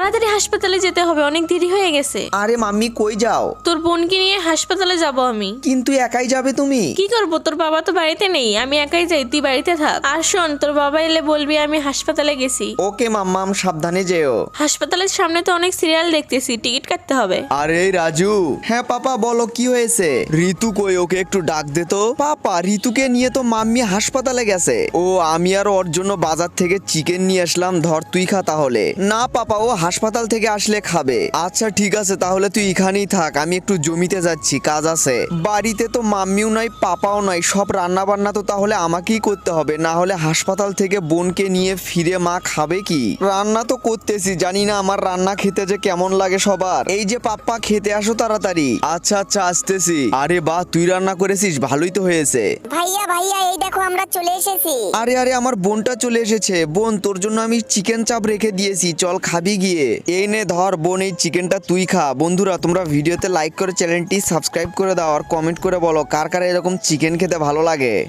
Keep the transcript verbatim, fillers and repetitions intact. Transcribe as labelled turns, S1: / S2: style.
S1: তাড়াতাড়ি হাসপাতালে যেতে হবে, অনেক দেরি হয়ে গেছে।
S2: আরে মাম্মি কই যাও?
S1: তোর বোনকে নিয়ে হাসপাতালে যাব আমি।
S2: কিন্তু একাই যাবে তুমি?
S1: কি করবো, তোর বাবা তো বাড়িতে নেই, আমি একাই যাই, তুই বাড়িতে থাক। আর শোন, তোর বাবা এলে বলবি আমি হাসপাতালে গেছি।
S2: ওকে মাম্মাম, সাবধানে যেও।
S1: হাসপাতালের সামনে তো অনেক সিরিয়াল দেখতেছি, টিকিট কাটতে হবে।
S2: আরে রাজু। হ্যাঁ পাপা বলো, কি হয়েছে? ঋতু কই, ওকে একটু ডাক দে তো। পাপা ঋতুকে নিয়ে তো মাম্মি হাসপাতালে গেছে। ও আমি আর ওর জন্য বাজার থেকে চিকেন নিয়ে আসলাম, ধর তুই খা তাহলে। না পাপা, ও হাসপাতাল থেকে আসলে খাবে। আচ্ছা ঠিক আছে, তাহলে তুই এখানেই থাক, আমি একটু জমিতে যাচ্ছি, কাজ আছে। বাড়িতে তো মাম্মিও নাই পাপাও নাই, সব রান্না বান্না তো তাহলে আমাকেই করতে হবে, না হলে হাসপাতাল থেকে বোনকে নিয়ে ফিরে মা খাবে কি? রান্না তো করতেছি, জানি না আমার রান্না খেতে যে কেমন লাগে সবার। এই যে পাপ্পা, খেতে আসো তাড়াতাড়ি। আচ্ছা আচ্ছা আসতেছি। আরে বাহ, তুই রান্না করেছিস, ভালোই তো হয়েছে।
S3: ভাইয়া ভাইয়া এই দেখো আমরা চলে এসেছি।
S2: আরে আরে আমার বোনটা চলে এসেছে। বোন, তোর জন্য আমি চিকেন চাপ রেখে দিয়েছি, চল খাবি গিয়ে। এই নে ধর বোন, এই চিকেনটা তুই খা। বন্ধুরা তোমরা ভিডিওতে লাইক করে চ্যানেলটি সাবস্ক্রাইব করে দাও আর কমেন্ট করে বলো কার কার এরকম চিকেন খেতে ভালো লাগে।